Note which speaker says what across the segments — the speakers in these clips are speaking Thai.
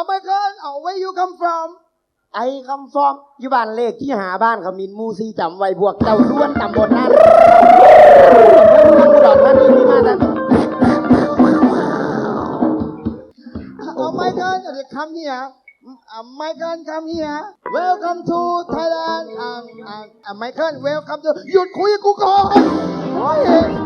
Speaker 1: ไม่เกินเอา where you come from
Speaker 2: ไอ้คำฟอมอยู่บ้านเลขที่หาบ้านขมินมูซีจำไว้พวกเจ้าล้วนตำบลนั้นดอกนั้นนี่มาแต่
Speaker 1: เอาไม่เกินเดี๋ยว come here ไม่เกิน come here welcome to Thailand ไม่เกิน welcome to หยุดคุยกับกูก่อนโอ้ย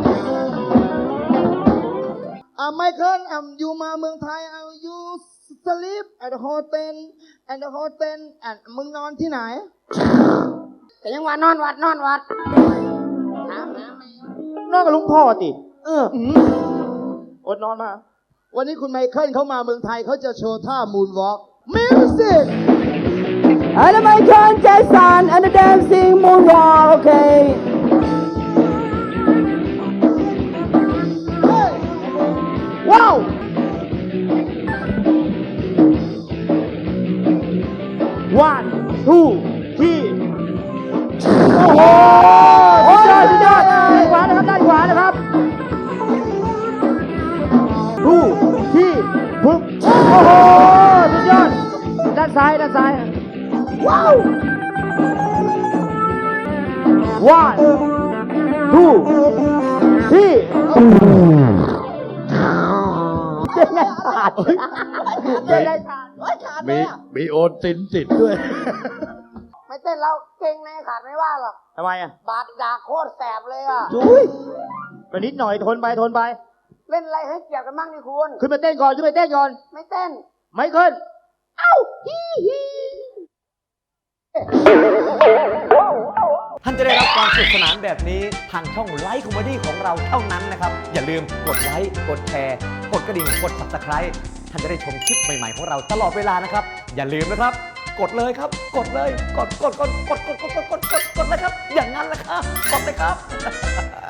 Speaker 1: ไม่เกินอยู่มาเมืองไทยyou sleep at the hotel and the hotel มึงนอนที่ไหน
Speaker 2: แต่ยังว่านอนวัดถามหาไหม
Speaker 3: นอนกับลุงพ่อติ
Speaker 1: อดนอนมา วันนี้คุณไมเคิลเขามาเมืองไทยเขาจะโชว์ท่า moonwalk music
Speaker 3: And Michael Jackson and the dancing moonwalk okay
Speaker 1: hey
Speaker 3: wow one two three โอ้โหสุดยอดด้านขวานะครับด้านขวานะครับtwo three ปึ๊บโอ้โหสุดยอดด้านซ้ายว้าว one two three เจ๊ได้ขาดขาด
Speaker 4: มีโอนตินติดด้วย
Speaker 2: ไม่เต้นแล้วเก่งในขาดไม่ว่าหรอก
Speaker 3: ทำไมอ่ะ
Speaker 2: บาดด่าโคตรแสบเลยอ่ะ
Speaker 3: จุ้ยไปนิดหน่อยทนไป
Speaker 2: เล่นอะไรให้เกียรติกันบ้างนี่คุณ
Speaker 3: ขึ้นมาเต้นก่อน
Speaker 2: ไม่เต้น
Speaker 3: ไม่ขึ้น
Speaker 5: ท่านจะได้รับความสนุกสนานแบบนี้ทางช่องไลฟ์คอมเมดี้ของเราเท่านั้นนะครับ อย่าลืมกดไลค์กดแชร์กดกระดิ่งกด Subscribe ท่านจะได้ชมคลิปใหม่ๆของเราตลอดเวลานะครับ อย่าลืมนะครับ กดเลยครับ กดเลยกดเลยครับ อย่างนั้นแหละครับกดเลยครับ